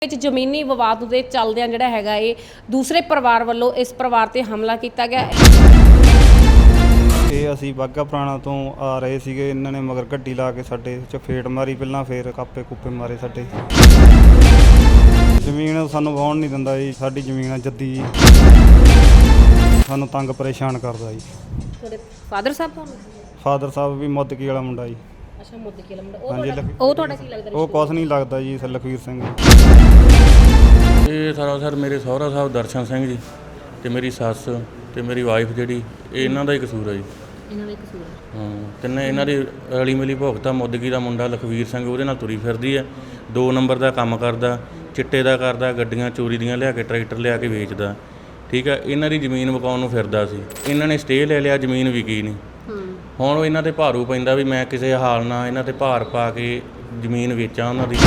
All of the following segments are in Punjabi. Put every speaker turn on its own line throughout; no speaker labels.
ਵਿੱਚ ਜ਼ਮੀਨੀ ਵਿਵਾਦ ਦੇ ਚੱਲਦਿਆਂ ਜਿਹੜਾ ਹੈਗਾ ਇਹ ਦੂਸਰੇ ਪਰਿਵਾਰ ਵੱਲੋਂ ਇਸ ਪਰਿਵਾਰ ਤੇ ਹਮਲਾ ਕੀਤਾ ਗਿਆ।
ਇਹ ਅਸੀਂ ਬਾਘਾ ਪੁਰਾਣਾ ਤੋਂ ਆ ਰਹੇ ਸੀਗੇ, ਇਹਨਾਂ ਨੇ ਮਗਰ ਗੱਡੀ ਲਾ ਕੇ ਸਾਡੇ ਚਫੇੜ ਮਾਰੀ, ਪਹਿਲਾਂ ਫੇਰ ਕਾਪੇ ਕੂਪੇ ਮਾਰੇ ਸਾਡੇ। ਜ਼ਮੀਨ ਸਾਨੂੰ ਵਾਹੁਣ ਨਹੀਂ ਦਿੰਦਾ ਜੀ, ਸਾਡੀ ਜ਼ਮੀਨ ਆ ਜੱਦੀ ਜੀ, ਸਾਨੂੰ ਤੰਗ ਪਰੇਸ਼ਾਨ ਕਰਦਾ ਜੀ।
ਤੁਹਾਡੇ ਫਾਦਰ ਸਾਹਿਬ ਤੁਹਾਨੂੰ?
ਫਾਦਰ ਸਾਹਿਬ ਵੀ ਮੁੱਦਕੀ ਵਾਲਾ ਮੁੰਡਾ ਜੀ।
ਅੱਛਾ, ਮੁੱਦਕੀ ਵਾਲਾ ਮੁੰਡਾ।
ਉਹ
ਤੁਹਾਡਾ ਕੀ ਲੱਗਦਾ?
ਉਹ ਕੁਛ ਨਹੀਂ ਲੱਗਦਾ ਜੀ, ਲਖਵੀਰ ਸਿੰਘ।
ਇਹ ਸਾਰਾ ਸਰ ਮੇਰੇ ਸਹੁਰਾ ਸਾਹਿਬ ਦਰਸ਼ਨ ਸਿੰਘ ਜੀ ਤੇ ਮੇਰੀ ਸੱਸ ਤੇ ਮੇਰੀ ਵਾਈਫ ਜਿਹੜੀ, ਇਹ ਇਹਨਾਂ ਦਾ ਹੀ ਕਸੂਰ ਹੈ ਜੀ।
ਇਹਨਾਂ ਦਾ ਹੀ ਕਸੂਰ ਹੈ?
ਹਾਂ, ਤਿੰਨੇ ਇਹਨਾਂ ਦੀ ਰਲੀ ਮਿਲੀ ਭੁਗਤਾ। ਮੁੱਦਕੀ ਦਾ ਮੁੰਡਾ ਲਖਵੀਰ ਸਿੰਘ ਉਹਦੇ ਨਾਲ ਤੁਰੀ ਫਿਰਦੀ ਹੈ, 2 ਨੰਬਰ ਦਾ ਕੰਮ ਕਰਦਾ, ਚਿੱਟੇ ਦਾ ਕਰਦਾ, ਗੱਡੀਆਂ ਚੋਰੀ ਦੀਆਂ ਲਿਆ ਕੇ ਟਰੈਕਟਰ ਲਿਆ ਕੇ ਵੇਚਦਾ। ਠੀਕ ਹੈ, ਇਹਨਾਂ ਦੀ ਜ਼ਮੀਨ ਵਿਕਾਉਣ ਨੂੰ ਫਿਰਦਾ ਸੀ, ਇਹਨਾਂ ਨੇ ਸਟੇ ਲੈ ਲਿਆ, ਜ਼ਮੀਨ ਵਿਕੀ ਨਹੀਂ। ਹੁਣ ਉਹ ਇਹਨਾਂ ਤੇ ਭਾਰੂ ਪੈਂਦਾ ਵੀ ਮੈਂ ਕਿਸੇ ਹਾਲ ਨਾਲ ਇਹਨਾਂ ਤੇ ਭਾਰ ਪਾ ਕੇ ਜ਼ਮੀਨ ਵੇਚਾਂ ਉਹਨਾਂ ਦੀ।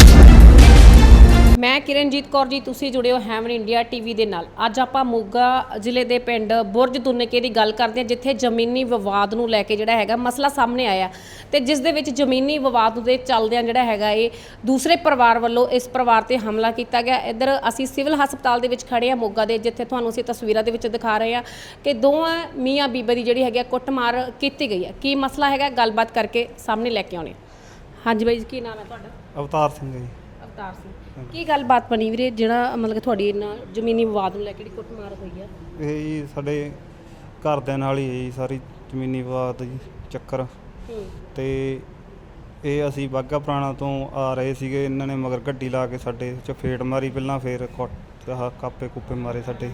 ਮੈਂ ਕਿਰਨਜੀਤ ਕੌਰ ਜੀ, ਤੁਸੀਂ ਜੁੜੇ ਹੋ ਹੈਵਨ ਇੰਡੀਆ ਟੀਵੀ ਦੇ ਨਾਲ। ਅੱਜ ਆਪਾਂ ਮੋਗਾ ਜ਼ਿਲ੍ਹੇ ਦੇ ਪਿੰਡ ਬੁਰਜ ਦੁਨਕੇ ਦੀ ਗੱਲ ਕਰਦੇ ਹਾਂ, ਜਿੱਥੇ ਜ਼ਮੀਨੀ ਵਿਵਾਦ ਨੂੰ ਲੈ ਕੇ ਜਿਹੜਾ ਹੈਗਾ ਮਸਲਾ ਸਾਹਮਣੇ ਆਇਆ ਤੇ ਜਿਸ ਦੇ ਵਿੱਚ ਜ਼ਮੀਨੀ ਵਿਵਾਦ ਦੇ ਚੱਲਦਿਆਂ ਜਿਹੜਾ ਹੈਗਾ ਇਹ ਦੂਸਰੇ ਪਰਿਵਾਰ ਵੱਲੋਂ ਇਸ ਪਰਿਵਾਰ ਤੇ ਹਮਲਾ ਕੀਤਾ ਗਿਆ। ਇੱਧਰ ਅਸੀਂ ਸਿਵਲ ਹਸਪਤਾਲ ਦੇ ਵਿੱਚ ਖੜੇ ਹਾਂ ਮੋਗਾ ਦੇ, ਜਿੱਥੇ ਤੁਹਾਨੂੰ ਅਸੀਂ ਤਸਵੀਰਾਂ ਦੇ ਵਿੱਚ ਦਿਖਾ ਰਹੇ ਹਾਂ ਕਿ ਦੋਵਾਂ ਮੀਆਂ ਬੀਬੀ ਦੀ ਜਿਹੜੀ ਹੈਗੀ ਕੁੱਟਮਾਰ ਕੀਤੀ ਗਈ ਹੈ। ਕੀ ਮਸਲਾ ਹੈਗਾ, ਗੱਲਬਾਤ ਕਰਕੇ ਸਾਹਮਣੇ ਲੈ ਕੇ ਆਉਣੇ। ਹਾਂਜੀ ਬਾਈ ਜੀ, ਕੀ ਨਾਮ ਹੈ ਤੁਹਾਡਾ?
ਅਵਤਾਰ ਸਿੰਘ ਜੀ।
ਅਵਤਾਰ ਸਿੰਘ, ਕੀ ਗੱਲਬਾਤ ਬਣੀ ਵੀਰੇ, ਜਿਹੜਾ ਮਤਲਬ ਕਿ ਤੁਹਾਡੀ ਇਹਨਾਂ ਜ਼ਮੀਨੀ ਵਿਵਾਦ ਨੂੰ ਲੈ ਕੇ ਜਿਹੜੀ ਕੁੱਟਮਾਰ ਹੋਈ ਆ?
ਇਹ ਜੀ ਸਾਡੇ ਘਰਦਿਆਂ ਨਾਲ ਹੀ ਹੈ ਜੀ ਸਾਰੀ ਜ਼ਮੀਨੀ ਵਿਵਾਦ ਜੀ ਚੱਕਰ। ਤੇ ਇਹ ਅਸੀਂ ਬਾਘਾ ਪੁਰਾਣਾ ਤੋਂ ਆ ਰਹੇ ਸੀਗੇ, ਇਹਨਾਂ ਨੇ ਮਗਰ ਗੱਡੀ ਲਾ ਕੇ ਸਾਡੇ ਚਫੇੜ ਮਾਰੀ, ਪਹਿਲਾਂ ਫੇਰ ਕਾਪੇ ਕੂਪੇ ਮਾਰੇ ਸਾਡੇ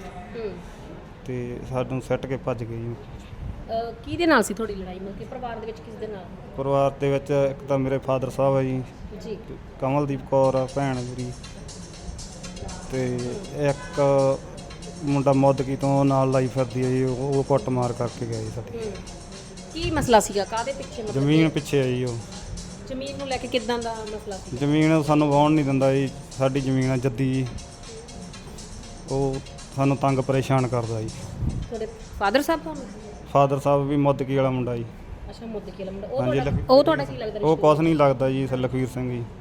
ਤੇ ਸਾਨੂੰ ਸੱਟ ਕੇ ਭੱਜ ਗਏ ਜੀ।
ਕਿਹਦੇ ਨਾਲ ਸੀ ਤੁਹਾਡੀ ਲੜਾਈ? ਮਤਲਬ ਕਿ ਪਰਿਵਾਰ ਦੇ ਵਿੱਚ ਕਿਸ ਦੇ ਨਾਲ?
ਪਰਿਵਾਰ ਦੇ ਵਿੱਚ ਇੱਕ ਤਾਂ ਮੇਰੇ ਫਾਦਰ ਸਾਹਿਬ ਹੈ ਜੀ, ਕਮਲਦੀਪ ਕੌਰ ਆ ਭੈਣ ਮੇਰੀ, ਤੇ ਇੱਕ ਮੁੰਡਾ ਮੁੱਦਕੀ ਤੋਂ ਨਾਲ ਲਾਈ ਫਿਰਦੀ ਹੈ ਜੀ, ਉਹ ਕੁੱਟ ਮਾਰ ਕਰਕੇ ਗਿਆ ਜੀ ਸਾਡੇ।
ਕੀ ਮਸਲਾ ਸੀਗਾ, ਕਾਹਦੇ ਪਿੱਛੇ?
ਜ਼ਮੀਨ ਪਿੱਛੇ ਆ ਜੀ। ਉਹ
ਜ਼ਮੀਨ ਨੂੰ ਲੈ ਕੇ ਕਿੱਦਾਂ ਦਾ ਮਸਲਾ ਸੀ?
ਜ਼ਮੀਨ ਸਾਨੂੰ ਵਾਹੁਣ ਨਹੀਂ ਦਿੰਦਾ ਜੀ, ਸਾਡੀ ਜ਼ਮੀਨ ਆ ਜੱਦੀ ਜੀ, ਉਹ ਸਾਨੂੰ ਤੰਗ ਪਰੇਸ਼ਾਨ ਕਰਦਾ ਜੀ।
ਤੁਹਾਡੇ ਫਾਦਰ ਸਾਹਿਬ ਤੁਹਾਨੂੰ?
ਫਾਦਰ ਸਾਹਿਬ ਵੀ ਮੁੱਦਕੀ ਵਾਲਾ ਮੁੰਡਾ ਜੀ।
ਅੱਛਾ, ਮੁੱਦਕੀ ਵਾਲਾ ਮੁੰਡਾ। ਉਹ ਤੁਹਾਡਾ ਕੀ ਲੱਗਦਾ?
ਉਹ ਕੁਛ ਨਹੀਂ ਲੱਗਦਾ ਜੀ, ਲਖਵੀਰ ਸਿੰਘ ਜੀ।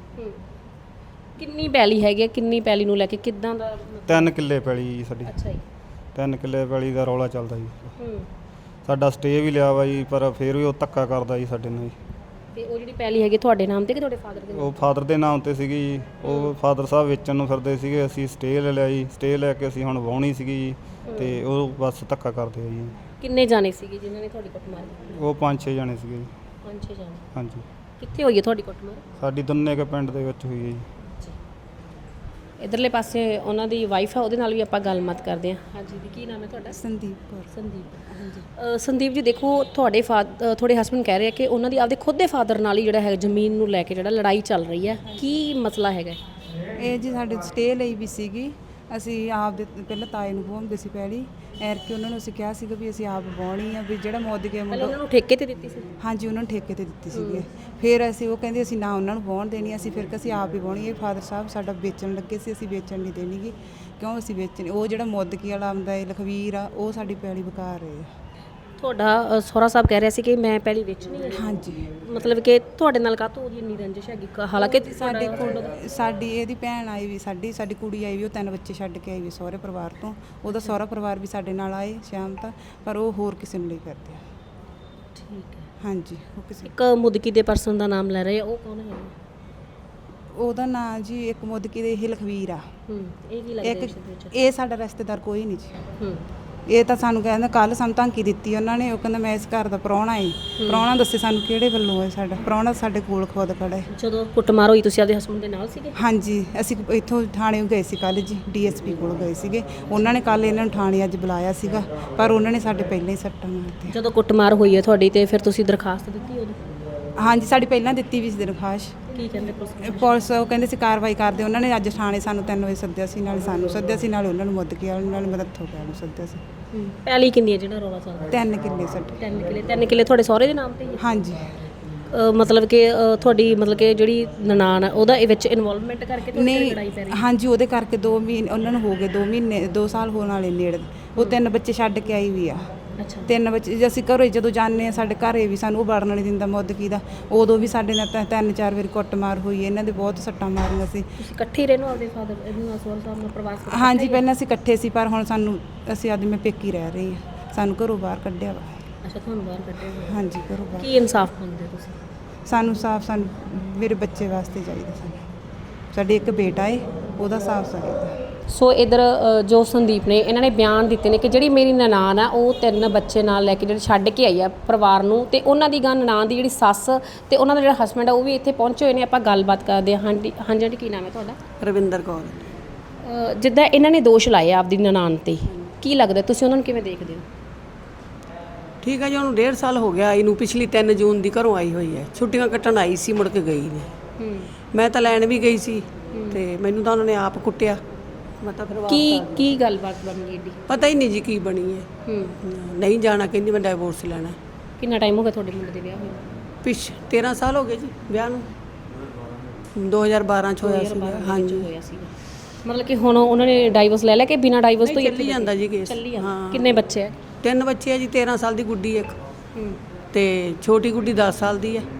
ਕਿੰਨੀ ਪੈਲੀ ਹੈਗੀ, ਕਿੰਨੀ ਪੈਲੀ ਨੂੰ ਲੈ ਕੇ ਕਿੱਦਾਂ ਦਾ?
3 ਕਿੱਲੇ ਪੈਲੀ ਜੀ ਸਾਡੀ।
ਅੱਛਾ ਜੀ,
3 ਕਿੱਲੇ ਪੈਲੀ ਦਾ ਰੌਲਾ ਚੱਲਦਾ ਜੀ। ਸਾਡਾ ਸਟੇ ਵੀ ਲਿਆ ਵਾ ਜੀ, ਪਰ ਫਿਰ ਵੀ ਉਹ ਧੱਕਾ ਕਰਦਾ ਜੀ ਸਾਡੇ ਨਾਲ ਜੀ।
ਤੇ ਉਹ ਜਿਹੜੀ ਪੈਲੀ ਹੈਗੀ ਤੁਹਾਡੇ ਨਾਮ ਤੇ ਕਿ ਤੁਹਾਡੇ ਫਾਦਰ ਦੇ ਨਾਮ?
ਉਹ ਫਾਦਰ ਦੇ ਨਾਮ ਤੇ ਸੀਗੀ ਜੀ। ਉਹ ਫਾਦਰ ਸਾਹਿਬ ਵੇਚਣ ਨੂੰ ਫਿਰਦੇ ਸੀਗੇ, ਅਸੀਂ ਸਟੇ ਲੈ ਲਿਆ ਜੀ। ਸਟੇ ਲੈ ਕੇ ਅਸੀਂ ਹੁਣ ਵਾਹੁਣੀ ਸੀਗੀ ਜੀ, ਤੇ ਉਹ ਬਸ ਧੱਕਾ ਕਰਦੇ ਆ ਜੀ।
ਕਿੰਨੇ ਜਾਣੇ ਸੀਗੇ ਜਿਨ੍ਹਾਂ ਨੇ ਤੁਹਾਡੀ ਕੁੱਟਮਾਰ ਕੀਤੀ?
ਉਹ 5-6 ਜਾਣੇ ਸੀਗੇ ਜੀ।
5-6 ਜਾਣੇ?
ਹਾਂਜੀ।
ਕਿੱਥੇ ਹੋਈ ਹੈ ਤੁਹਾਡੀ ਕੁੱਟਮਾਰ?
ਸਾਡੀ ਦੁੰਨੇਕੇ ਪਿੰਡ ਦੇ ਵਿੱਚ ਹੋਈ ਹੈ ਜੀ।
ਇਧਰਲੇ ਪਾਸੇ ਉਹਨਾਂ ਦੀ ਵਾਈਫ ਹੈ, ਉਹਦੇ ਨਾਲ ਵੀ ਆਪਾਂ ਗੱਲਬਾਤ ਕਰਦੇ ਹਾਂ। ਹਾਂਜੀ ਦੀ, ਕੀ ਨਾਮ ਹੈ ਤੁਹਾਡਾ?
ਸੰਦੀਪ ਕੌਰ।
ਸੰਦੀਪ, ਹਾਂਜੀ। ਸੰਦੀਪ ਜੀ, ਦੇਖੋ ਤੁਹਾਡੇ ਤੁਹਾਡੇ ਹਸਬੈਂਡ ਕਹਿ ਰਹੇ ਆ ਕਿ ਉਹਨਾਂ ਦੀ ਆਪਦੇ ਖੁਦ ਦੇ ਫਾਦਰ ਨਾਲ ਹੀ ਜਿਹੜਾ ਹੈ ਜ਼ਮੀਨ ਨੂੰ ਲੈ ਕੇ ਜਿਹੜਾ ਲੜਾਈ ਚੱਲ ਰਹੀ ਹੈ, ਕੀ ਮਸਲਾ ਹੈਗਾ?
ਇਹ ਜੀ ਸਾਡੇ ਸਟੇ ਲਈ ਵੀ ਸੀਗੀ, ਅਸੀਂ ਆਪ ਦੇ ਪਹਿਲਾਂ ਤਾਏ ਨੂੰ ਵਾਹੁੰਦੇ ਸੀ ਪਹਿਲੀ, ਐਰ ਕਿ ਉਹਨਾਂ ਨੂੰ ਅਸੀਂ ਕਿਹਾ ਸੀਗਾ ਵੀ ਅਸੀਂ ਆਪ ਵਾਹੁਣੀ ਆ, ਵੀ ਜਿਹੜਾ ਮੁੱਦਕੀ ਮੁੰਡਾ
ਉਹਨਾਂ ਨੂੰ ਠੇਕੇ ਤੇ ਦਿੱਤੀ ਸੀ?
ਹਾਂਜੀ, ਉਹਨਾਂ ਨੂੰ ਠੇਕੇ ਤੇ ਦਿੱਤੀ ਸੀਗੀ। ਫਿਰ ਅਸੀਂ ਉਹ ਕਹਿੰਦੇ ਅਸੀਂ ਨਾ ਉਹਨਾਂ ਨੂੰ ਵਾਹੁਣ ਦੇਣੀ, ਅਸੀਂ ਫਿਰ ਅਸੀਂ ਆਪ ਹੀ ਵਾਹੁਣੀ। ਇਹ ਫਾਦਰ ਸਾਹਿਬ ਸਾਡਾ ਵੇਚਣ ਲੱਗੇ ਸੀ, ਅਸੀਂ ਵੇਚਣ ਨਹੀਂ ਦੇਣੀ ਗੀ, ਕਿਉਂ ਅਸੀਂ ਵੇਚਣੀ। ਉਹ ਜਿਹੜਾ ਮੁੱਦਕੀ ਵਾਲਾ ਆਉਂਦਾ ਹੈ ਲਖਵੀਰ ਆ, ਉਹ ਸਾਡੀ ਪੈਲੀ ਵਿਕਾ ਰਹੇ ਆ।
ਤੁਹਾਡਾ ਸਹੁਰਾ ਸਾਹਿਬ ਕਹਿ ਰਿਹਾ ਸੀ ਕਿ ਮੈਂ ਪਹਿਲੀ ਵੇਚਣੀ ਹੈ?
ਹਾਂਜੀ।
ਮਤਲਬ ਕਿ ਤੁਹਾਡੇ ਨਾਲ ਕਾਹਤੋਂ ਉਹਦੀ ਇੰਨੀ ਰੰਜਿਸ਼ ਹੈਗੀ? ਹਾਲਾਂਕਿ
ਸਾਡੇ ਕੋਲ ਸਾਡੀ ਇਹਦੀ ਭੈਣ ਆਈ ਵੀ, ਸਾਡੀ ਕੁੜੀ ਆਈ ਵੀ, ਉਹ 3 ਬੱਚੇ ਛੱਡ ਕੇ ਆਈ ਵੀ ਸਹੁਰੇ ਪਰਿਵਾਰ ਤੋਂ। ਉਹਦਾ ਸਹੁਰਾ ਪਰਿਵਾਰ ਵੀ ਸਾਡੇ ਨਾਲ ਆਏ ਸ਼ਾਮ ਤੱਕ, ਪਰ ਉਹ ਹੋਰ ਕਿਸੇ ਨੂੰ ਲਈ ਕਰਦੇ ਆ।
ਠੀਕ ਹੈ।
ਹਾਂਜੀ, ਉਹ ਕਿਸੇ
ਇੱਕ ਮੁੱਦਕੀ ਦੇ ਪਰਸਨ ਦਾ ਨਾਮ ਲੈ ਰਹੇ ਆ, ਉਹ ਕੌਣ ਹੈ?
ਉਹਦਾ ਨਾਂ ਜੀ ਇੱਕ ਮੁੱਦਕੀ ਦੇ ਇਹ ਲਖਵੀਰ ਆ।
ਇਹ ਕੀ ਲੱਗਦਾ ਇਸ ਵਿੱਚ?
ਇਹ ਸਾਡਾ ਰਿਸ਼ਤੇਦਾਰ ਕੋਈ ਨਹੀਂ ਜੀ। ਇਹ ਤਾਂ ਸਾਨੂੰ ਕਹਿੰਦਾ, ਕੱਲ ਸਾਨੂੰ ਧਮਕੀ ਦਿੱਤੀ ਉਹਨਾਂ ਨੇ, ਉਹ ਕਹਿੰਦਾ ਮੈਂ ਇਸ ਘਰ ਦਾ ਪ੍ਰਾਹੁਣਾ ਏ। ਪ੍ਰਾਹੁਣਾ ਦੱਸੇ ਸਾਨੂੰ ਕਿਹੜੇ ਵੱਲੋਂ ਹੈ? ਸਾਡਾ ਪ੍ਰਾਹੁਣਾ ਸਾਡੇ ਕੋਲ ਖੁਦ ਖੜਾ ਹੈ।
ਜਦੋਂ ਕੁੱਟਮਾਰ ਹੋਈ ਤੁਸੀਂ ਆਪਦੇ ਹਸਬੰਡ ਦੇ ਨਾਲ ਸੀਗੇ?
ਹਾਂਜੀ, ਅਸੀਂ ਇੱਥੋਂ ਥਾਣੇ ਗਏ ਸੀ ਕੱਲ੍ਹ ਜੀ, DSP ਕੋਲ ਗਏ ਸੀਗੇ। ਉਹਨਾਂ ਨੇ ਕੱਲ੍ਹ ਇਹਨਾਂ ਨੂੰ ਥਾਣੇ ਅੱਜ ਬੁਲਾਇਆ ਸੀਗਾ, ਪਰ ਉਹਨਾਂ ਨੇ ਸਾਡੇ ਪਹਿਲਾਂ ਹੀ ਸੱਟਾਂ ਮਾਰਤੀਆਂ।
ਜਦੋਂ ਕੁੱਟਮਾਰ ਹੋਈ ਹੈ ਤੁਹਾਡੀ, ਤੇ ਫਿਰ ਤੁਸੀਂ ਦਰਖਾਸਤ ਦਿੱਤੀ ਉਦੋਂ?
ਹਾਂਜੀ, ਸਾਡੀ ਪਹਿਲਾਂ ਦਿੱਤੀ ਵੀ ਸੀ ਦਰਖਾਸਤ।
ਕੀ ਕਹਿੰਦੇ
ਪੁਲਿਸ? ਉਹ ਕਹਿੰਦੇ ਸੀ ਕਾਰਵਾਈ ਕਰਦੇ। ਉਹਨਾਂ ਨੇ ਅੱਜ ਥਾਣੇ ਸਾਨੂੰ 3 ਵਜੇ ਸੱਦਿਆ ਸੀ, ਨਾਲੇ ਸਾਨੂੰ ਸੱਦਿਆ ਸੀ, ਨਾਲੇ ਉਹਨਾਂ ਨੂੰ ਮੁੱਦਕੀ ਵਾਲੇ ਨਾਲ ਮਦਦ ਹੋ ਗਿਆ ਨੂੰ ਸੱਦਿਆ ਸੀ।
ਪੈਲੀ ਕਿੰਨੀ ਹੈ ਜਿਹੜਾ ਰੌਲਾ ਚੱਲਦਾ?
3 ਕਿੱਲੇ ਸਾਡੇ।
3 ਕਿੱਲੇ ਤੁਹਾਡੇ ਸਹੁਰੇ ਦੇ ਨਾਮ ਤੇ ਹੀ ਹੈ?
ਹਾਂਜੀ।
ਮਤਲਬ ਕਿ ਤੁਹਾਡੀ ਮਤਲਬ ਕਿ ਜਿਹੜੀ ਨਨਾਣ ਹੈ ਉਹਦਾ ਇਹ ਵਿੱਚ ਇਨਵੋਲਵਮੈਂਟ ਕਰਕੇ
ਨਹੀਂ?
ਲੜਾਈ ਪੈ ਰਹੀ?
ਹਾਂਜੀ, ਉਹਦੇ ਕਰਕੇ 2 ਮਹੀਨੇ ਉਹਨਾਂ ਨੂੰ ਹੋ ਗਏ, 2 ਸਾਲ ਹੋਣ ਵਾਲੇ ਨੇੜੇ। ਉਹ 3 ਬੱਚੇ ਛੱਡ ਕੇ ਆਈ ਵੀ ਆ।
ਅੱਛਾ
3 ਬੱਚੇ ਜੇ ਅਸੀਂ ਘਰੋਂ ਜਦੋਂ ਜਾਂਦੇ ਆ ਸਾਡੇ ਘਰੇ ਵੀ ਸਾਨੂੰ ਉਹ ਵੜਨ ਨਹੀਂ ਦਿੰਦਾ ਮੁੱਦਕੀ ਦਾ। ਉਦੋਂ ਵੀ ਸਾਡੇ ਨਾਲ 3-4 ਵਾਰੀ ਕੁੱਟਮਾਰ ਹੋਈ, ਇਹਨਾਂ ਦੇ ਬਹੁਤ ਸੱਟਾਂ ਮਾਰੀਆਂ ਸੀ।
ਤੁਸੀਂ ਇਕੱਠੇ ਹੀ ਰਹਿੰਦੇ ਹੋ ਆਪਦੇ ਫਾਦਰ ਇਹਨੂੰ ਸੋਹਲ ਸਾਹਿਬ ਨਾਲ ਪਰਿਵਾਰ ਸਾਰਾ?
ਹਾਂਜੀ ਪਹਿਲਾਂ ਅਸੀਂ ਇਕੱਠੇ ਸੀ, ਪਰ ਹੁਣ ਸਾਨੂੰ ਅਸੀਂ ਅੱਜ ਮੈਂ ਪੇਕੀ ਰਹਿ ਰਹੀ ਹਾਂ, ਸਾਨੂੰ ਘਰੋਂ ਬਾਹਰ ਕੱਢਿਆ ਵਾ।
ਅੱਛਾ ਤੁਹਾਨੂੰ ਬਾਹਰ ਕੱਢਿਆ ਹੋਇਆ।
ਹਾਂਜੀ ਘਰੋਂ ਬਾਹਰ।
ਕੀ ਇਨਸਾਫ ਮੰਗਦੇ ਹੋ ਤੁਸੀਂ?
ਸਾਨੂੰ ਮੇਰੇ ਬੱਚੇ ਵਾਸਤੇ ਚਾਹੀਦਾ। ਸਾਡੇ ਇੱਕ ਬੇਟਾ ਏ, ਉਹਦਾ ਸਾਫ ਚਾਹੀਦਾ।
ਸੋ ਇਧਰ ਜੋ ਸੰਦੀਪ ਨੇ ਇਹਨਾਂ ਨੇ ਬਿਆਨ ਦਿੱਤੇ ਨੇ ਕਿ ਜਿਹੜੀ ਮੇਰੀ ਨਨਾਣ ਆ ਉਹ 3 ਬੱਚੇ ਨਾਲ ਲੈ ਕੇ ਜਿਹੜੇ ਛੱਡ ਕੇ ਆਈ ਆ ਪਰਿਵਾਰ ਨੂੰ, ਤੇ ਉਹਨਾਂ ਦੀ ਨਨਾਣ ਦੀ ਜਿਹੜੀ ਸੱਸ ਤੇ ਉਹਨਾਂ ਦਾ ਜਿਹੜਾ ਹਸਬੈਂਡ ਆ ਉਹ ਵੀ ਇੱਥੇ ਪਹੁੰਚੇ ਹੋਏ ਨੇ। ਆਪਾਂ ਗੱਲਬਾਤ ਕਰਦੇ ਹਾਂ। ਹਾਂਜੀ ਆਂਟੀ ਕੀ ਨਾਮ ਹੈ ਤੁਹਾਡਾ?
ਰਵਿੰਦਰ ਕੌਰ।
ਜਿੱਦਾਂ ਇਹਨਾਂ ਨੇ ਦੋਸ਼ ਲਾਏ ਆ ਆਪਦੀ ਨਨਾਣ ਤੇ, ਕੀ ਲੱਗਦਾ ਤੁਸੀਂ ਉਹਨਾਂ ਨੂੰ ਕਿਵੇਂ ਦੇਖਦੇ ਹੋ?
ਠੀਕ ਹੈ ਜੀ, ਉਹਨੂੰ 1.5 ਸਾਲ ਹੋ ਗਿਆ ਆਈ ਨੂੰ। ਪਿਛਲੀ 3 ਜੂਨ ਦੀ ਘਰੋਂ ਆਈ ਹੋਈ ਹੈ, ਛੁੱਟੀਆਂ ਕੱਟਣ ਆਈ ਸੀ, ਮੁੜ ਕੇ ਗਈ ਨਹੀਂ। ਮੈਂ ਤਾਂ ਲੈਣ ਵੀ ਗਈ ਸੀ ਤੇ ਮੈਨੂੰ ਤਾਂ ਉਹਨਾਂ ਨੇ ਆਪ ਕੁੱਟਿਆ। ਮੈਂ ਤਾਂ ਫਿਰ
ਕੀ ਗੱਲਬਾਤ ਬਣ ਗਈ ਏਡੀ?
ਪਤਾ ਹੀ ਨਹੀਂ ਜੀ ਕੀ ਬਣੀ ਹੈ। ਨਹੀਂ ਜਾਣਾ, ਕਹਿੰਦੀ ਮੈਂ ਡਾਈਵੋਰਸ ਲੈਣਾ।
ਕਿੰਨਾ ਟਾਈਮ ਹੋ ਗਿਆ ਤੁਹਾਡੇ ਮੁੰਡੇ ਦੇ ਵਿਆਹ ਹੋਏ?
13 ਸਾਲ ਹੋ ਗਏ ਜੀ ਵਿਆਹ ਨੂੰ। 2012 ਚ ਹੋਇਆ ਸੀ। ਹਾਂਜੀ
ਹੋਇਆ ਸੀਗਾ। ਮਤਲਬ ਕਿ ਹੁਣ ਉਹਨਾਂ ਨੇ ਡਾਈਵੋਰਸ ਲੈ ਲਿਆ ਕਿ ਬਿਨਾਂ ਡਾਈਵੋਰਸ ਤੋਂ ਹੀ
ਚੱਲੀ ਜਾਂਦਾ ਜੀ ਕੇਸ।
ਚੱਲੀ ਜਾਂਦਾ? ਕਿੰਨੇ ਬੱਚੇ ਹੈ?
3 ਬੱਚੇ ਆ ਜੀ, 13 ਸਾਲ ਦੀ ਗੁੱਡੀ ਇੱਕ ਤੇ ਛੋਟੀ ਗੁੱਡੀ 10 ਸਾਲ ਦੀ ਹੈ,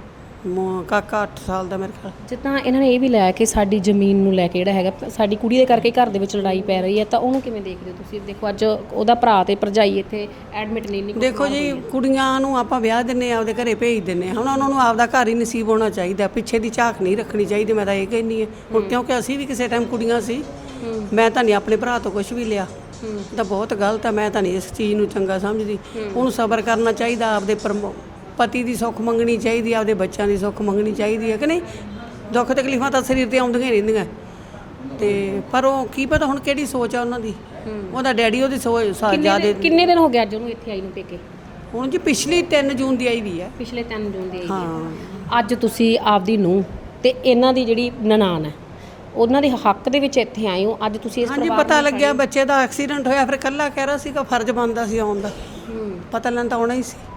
ਕਾਕਾ 8 ਸਾਲ ਦਾ ਮੇਰੇ ਖਿਆਲ।
ਜਿੱਦਾਂ ਇਹਨਾਂ ਨੇ ਇਹ ਵੀ ਲਾਇਆ ਕਿ ਸਾਡੀ ਜ਼ਮੀਨ ਨੂੰ ਲੈ ਕੇ ਜਿਹੜਾ ਹੈਗਾ ਸਾਡੀ ਕੁੜੀ ਦੇ ਕਰਕੇ ਘਰ ਦੇ ਵਿੱਚ ਲੜਾਈ ਪੈ ਰਹੀ ਹੈ, ਤਾਂ ਉਹਨੂੰ ਕਿਵੇਂ ਦੇਖਦੇ ਹੋ ਤੁਸੀਂ? ਦੇਖੋ ਅੱਜ ਉਹਦਾ ਭਰਾ ਤੇ ਭਰਜਾਈ ਇੱਥੇ ਐਡਮਿਟ ਨਹੀਂ
ਦੇਖੋ ਜੀ, ਕੁੜੀਆਂ ਨੂੰ ਆਪਾਂ ਵਿਆਹ ਦਿੰਨੇ ਆ, ਆਪਦੇ ਘਰੇ ਭੇਜ ਦਿੰਨੇ ਆ। ਹੁਣ ਉਹਨਾਂ ਨੂੰ ਆਪਦਾ ਘਰ ਹੀ ਨਸੀਬ ਹੋਣਾ ਚਾਹੀਦਾ, ਪਿੱਛੇ ਦੀ ਝਾਕ ਨਹੀਂ ਰੱਖਣੀ ਚਾਹੀਦੀ। ਮੈਂ ਤਾਂ ਇਹ ਕਹਿੰਦੀ ਹਾਂ ਹੁਣ, ਕਿਉਂਕਿ ਅਸੀਂ ਵੀ ਕਿਸੇ ਟਾਈਮ ਕੁੜੀਆਂ ਸੀ। ਮੈਂ ਤਾਂ ਨਹੀਂ ਆਪਣੇ ਭਰਾ ਤੋਂ ਕੁਝ ਵੀ ਲਿਆ, ਤਾਂ ਬਹੁਤ ਗਲਤ ਹੈ। ਮੈਂ ਤਾਂ ਨਹੀਂ ਇਸ ਚੀਜ਼ ਨੂੰ ਚੰਗਾ ਸਮਝਦੀ। ਉਹਨੂੰ ਸਬਰ ਕਰਨਾ ਚਾਹੀਦਾ, ਆਪਦੇ ਪਤੀ ਦੀ ਸੁੱਖ ਮੰਗਣੀ ਚਾਹੀਦੀ, ਆਪਦੇ ਬੱਚਿਆਂ ਦੀ ਸੁੱਖ ਮੰਗਣੀ ਚਾਹੀਦੀ ਹੈ ਕਿ ਨਹੀਂ। ਦੁੱਖ ਤਕਲੀਫਾਂ ਤਾਂ ਸਰੀਰ ਤੇ ਆਉਂਦੀਆਂ ਹੀ ਰਹਿੰਦੀਆਂ, ਤੇ ਪਰ ਉਹ ਕੀ ਪਤਾ ਹੁਣ ਕਿਹੜੀ ਸੋਚ ਆ ਉਹਨਾਂ ਦੀ। ਉਹਦਾ ਡੈਡੀ ਉਹਦੀ ਸੋਚ ਜ਼ਿਆਦਾ।
ਕਿੰਨੇ ਦਿਨ ਹੋ ਗਏ ਅੱਜ ਉਹਨੂੰ ਇੱਥੇ ਆਈ ਨੂੰ ਪੇਕੇ?
ਹੁਣ ਜੀ ਪਿਛਲੀ 3 ਜੂਨ ਦੀ ਆਈ ਵੀ ਹੈ।
ਪਿਛਲੇ 3 ਜੂਨ ਦੀ ਆਈ
ਹਾਂ।
ਹੈ। ਅੱਜ ਤੁਸੀਂ ਆਪਦੀ ਨੂੰਹ ਤੇ ਇਹਨਾਂ ਦੀ ਜਿਹੜੀ ਨਨਾਣ ਹੈ ਉਹਨਾਂ ਦੇ ਹੱਕ ਦੇ ਵਿੱਚ ਇੱਥੇ ਆਏ ਹੋ। ਅੱਜ ਤੁਸੀਂ ਇਸ
ਹਾਂਜੀ ਪਤਾ ਲੱਗਿਆ ਬੱਚੇ ਦਾ ਐਕਸੀਡੈਂਟ ਹੋਇਆ, ਫਿਰ ਇਕੱਲਾ ਕਹਿ ਰਿਹਾ ਸੀਗਾ, ਫਰਜ਼ ਬਣਦਾ ਸੀ ਆਉਣ ਦਾ। ਪਤਾ ਲੈਣ ਤਾਂ ਆਉਣਾ ਹੀ ਸੀ।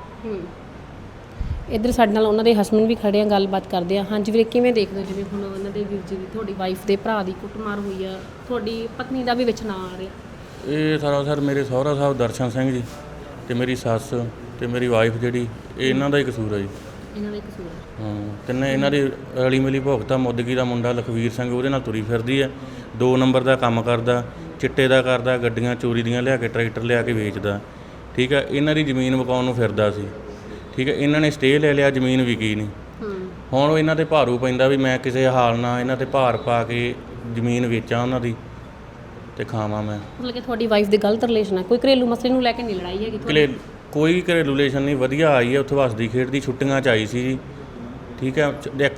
ਇੱਧਰ ਸਾਡੇ ਨਾਲ ਉਹਨਾਂ ਦੇ ਹਸਬੈਂਡ ਵੀ ਖੜੇ ਆ, ਗੱਲਬਾਤ ਕਰਦੇ ਆ। ਹਾਂਜੀ ਵੀਰੇ, ਕਿਵੇਂ ਦੇਖਦੇ ਹੋ ਜਿਵੇਂ ਹੁਣ ਉਹਨਾਂ ਦੇ ਵੀਰ ਜੀ ਦੀ, ਤੁਹਾਡੀ ਵਾਈਫ ਦੇ ਭਰਾ ਦੀ ਕੁੱਟਮਾਰ ਹੋਈ ਆ, ਤੁਹਾਡੀ ਪਤਨੀ ਦਾ ਵੀ ਵਿੱਚ ਨਾਂ ਆ ਰਿਹਾ?
ਇਹ ਸਰ ਮੇਰੇ ਸਹੁਰਾ ਸਾਹਿਬ ਦਰਸ਼ਨ ਸਿੰਘ ਜੀ ਤੇ ਮੇਰੀ ਸੱਸ ਤੇ ਮੇਰੀ ਵਾਈਫ ਜਿਹੜੀ, ਇਹ ਇਹਨਾਂ ਦਾ ਹੀ ਕਸੂਰ ਹੈ ਜੀ।
ਇਹਨਾਂ ਦਾ ਹੀ ਕਸੂਰ ਹੈ?
ਹਾਂ, ਤਿੰਨੇ ਇਹਨਾਂ ਦੀ ਰਲੀ ਮਿਲੀ ਭੁਗਤਾ। ਮੁੱਦਗੀ ਦਾ ਮੁੰਡਾ ਲਖਵੀਰ ਸਿੰਘ ਉਹਦੇ ਨਾਲ ਤੁਰੀ ਫਿਰਦੀ ਹੈ। 2 ਨੰਬਰ ਦਾ ਕੰਮ ਕਰਦਾ, ਚਿੱਟੇ ਦਾ ਕਰਦਾ, ਗੱਡੀਆਂ ਚੋਰੀ ਦੀਆਂ ਲਿਆ ਕੇ ਟਰੈਕਟਰ ਲਿਆ ਕੇ ਵੇਚਦਾ। ਠੀਕ ਹੈ, ਇਹਨਾਂ ਦੀ ਜ਼ਮੀਨ ਵਿਕਾਉਣ ਨੂੰ ਫਿਰਦਾ ਸੀ। ਠੀਕ ਹੈ, ਇਹਨਾਂ ਨੇ ਸਟੇ ਲੈ ਲਿਆ, ਜ਼ਮੀਨ ਵਿਕੀ ਨਹੀਂ। ਹੁਣ ਉਹ ਇਹਨਾਂ ਤੇ ਭਾਰੂ ਪੈਂਦਾ ਵੀ ਮੈਂ ਕਿਸੇ ਹਾਲ ਨਾਲ ਇਹਨਾਂ ਤੇ ਭਾਰ ਪਾ ਕੇ ਜ਼ਮੀਨ ਵੇਚਾਂ ਉਹਨਾਂ ਦੀ ਤੇ ਖਾਵਾਂ ਮੈਂ।
ਮਤਲਬ ਕਿ ਤੁਹਾਡੀ ਵਾਈਫ ਦੇ ਗਲਤ ਰਿਲੇਸ਼ਨ ਹੈ, ਕੋਈ ਘਰੇਲੂ ਮਸਲੇ ਨੂੰ ਲੈ ਕੇ ਨਹੀਂ ਲੜਾਈ ਹੈਗੀ?
ਕੋਈ ਘਰੇਲੂ ਰਿਲੇਸ਼ਨ ਨਹੀਂ, ਵਧੀਆ ਆਈ ਹੈ। ਉੱਥੇ ਵਸਦੀ ਖੇਡਦੀ ਛੁੱਟੀਆਂ 'ਚ ਆਈ ਸੀ ਜੀ। ਠੀਕ ਹੈ,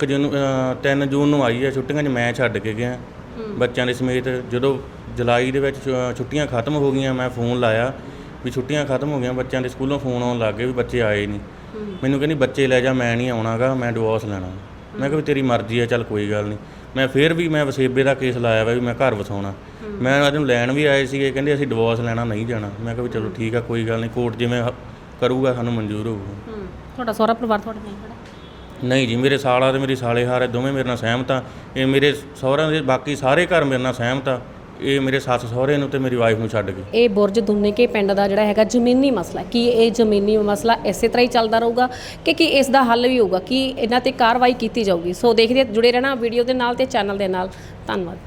3 ਜੂਨ ਨੂੰ ਆਈ ਹੈ। ਛੁੱਟੀਆਂ 'ਚ ਮੈਂ ਛੱਡ ਕੇ ਗਿਆ ਬੱਚਿਆਂ ਦੇ ਸਮੇਤ। ਜਦੋਂ ਜੁਲਾਈ ਦੇ ਵਿੱਚ ਛੁੱਟੀਆਂ ਖਤਮ ਹੋ ਗਈਆਂ, ਮੈਂ ਫੋਨ ਲਾਇਆ ਵੀ ਛੁੱਟੀਆਂ ਖਤਮ ਹੋ ਗਈਆਂ, ਬੱਚਿਆਂ ਦੇ ਸਕੂਲੋਂ ਫੋਨ ਆਉਣ ਲੱਗ ਗਏ ਵੀ ਬੱਚੇ ਆਏ ਨਹੀਂ। ਮੈਨੂੰ ਕਹਿੰਦੀ ਬੱਚੇ ਲੈ ਜਾ, ਮੈਂ ਨਹੀਂ ਆਉਣਾਗਾ, ਮੈਂ ਡਿਵੋਰਸ ਲੈਣਾ। ਮੈਂ ਕਿਹਾ ਵੀ ਤੇਰੀ ਮਰਜ਼ੀ ਹੈ, ਚੱਲ ਕੋਈ ਗੱਲ ਨਹੀਂ। ਮੈਂ ਫਿਰ ਵੀ ਮੈਂ ਵਸੇਬੇ ਦਾ ਕੇਸ ਲਾਇਆ ਵਾ ਵੀ ਮੈਂ ਘਰ ਵਸਾਉਣਾ। ਮੈਂ ਅੱਜ ਨੂੰ ਲੈਣ ਵੀ ਆਏ ਸੀਗੇ, ਕਹਿੰਦੇ ਅਸੀਂ ਡਿਵੋਰਸ ਲੈਣਾ, ਨਹੀਂ ਜਾਣਾ। ਮੈਂ ਕਿਹਾ ਵੀ ਚਲੋ ਠੀਕ ਆ, ਕੋਈ ਗੱਲ ਨਹੀਂ, ਕੋਰਟ ਜਿਵੇਂ ਕਰੂਗਾ ਸਾਨੂੰ ਮਨਜ਼ੂਰ ਹੋਊਗਾ।
ਤੁਹਾਡਾ ਸਹੁਰਾ ਪਰਿਵਾਰ ਤੁਹਾਡੇ ਨਾਲ ਖੜਾ?
ਨਹੀਂ ਜੀ, ਮੇਰੇ ਸਾਲਾ ਤੇ ਮੇਰੀ ਸਾਲੇ ਹਾਰੇ ਦੋਵੇਂ ਮੇਰੇ ਨਾਲ ਸਹਿਮਤ ਆ। ਇਹ ਮੇਰੇ ਸਹੁਰਿਆਂ ਦੇ ਬਾਕੀ ਸਾਰੇ ਘਰ ਮੇਰੇ ਨਾਲ ਸਹਿਮਤ ਆ। ਇਹ ਮੇਰੇ ਸੱਸ ਸਹੁਰੇ ਨੂੰ ਤੇ ਮੇਰੀ ਵਾਈਫ ਨੂੰ ਛੱਡ ਕੇ।
ਇਹ ਬੁਰਜ ਦੁੰਨੇਕੇ ਪਿੰਡ ਦਾ ਜਿਹੜਾ ਹੈਗਾ ਜ਼ਮੀਨੀ ਮਸਲਾ, ਕੀ ਇਹ ਜ਼ਮੀਨੀ ਮਸਲਾ ਇਸੇ ਤਰ੍ਹਾਂ ਹੀ ਚੱਲਦਾ ਰਹੂਗਾ ਕਿ ਇਸ ਦਾ ਹੱਲ ਵੀ ਹੋਊਗਾ, ਕਿ ਇਹਨਾਂ ਤੇ ਕਾਰਵਾਈ ਕੀਤੀ ਜਾਊਗੀ? ਸੋ ਦੇਖਦੇ ਜੁੜੇ ਰਹਿਣਾ ਵੀਡੀਓ ਦੇ ਨਾਲ ਤੇ ਚੈਨਲ ਦੇ ਨਾਲ। ਧੰਨਵਾਦ।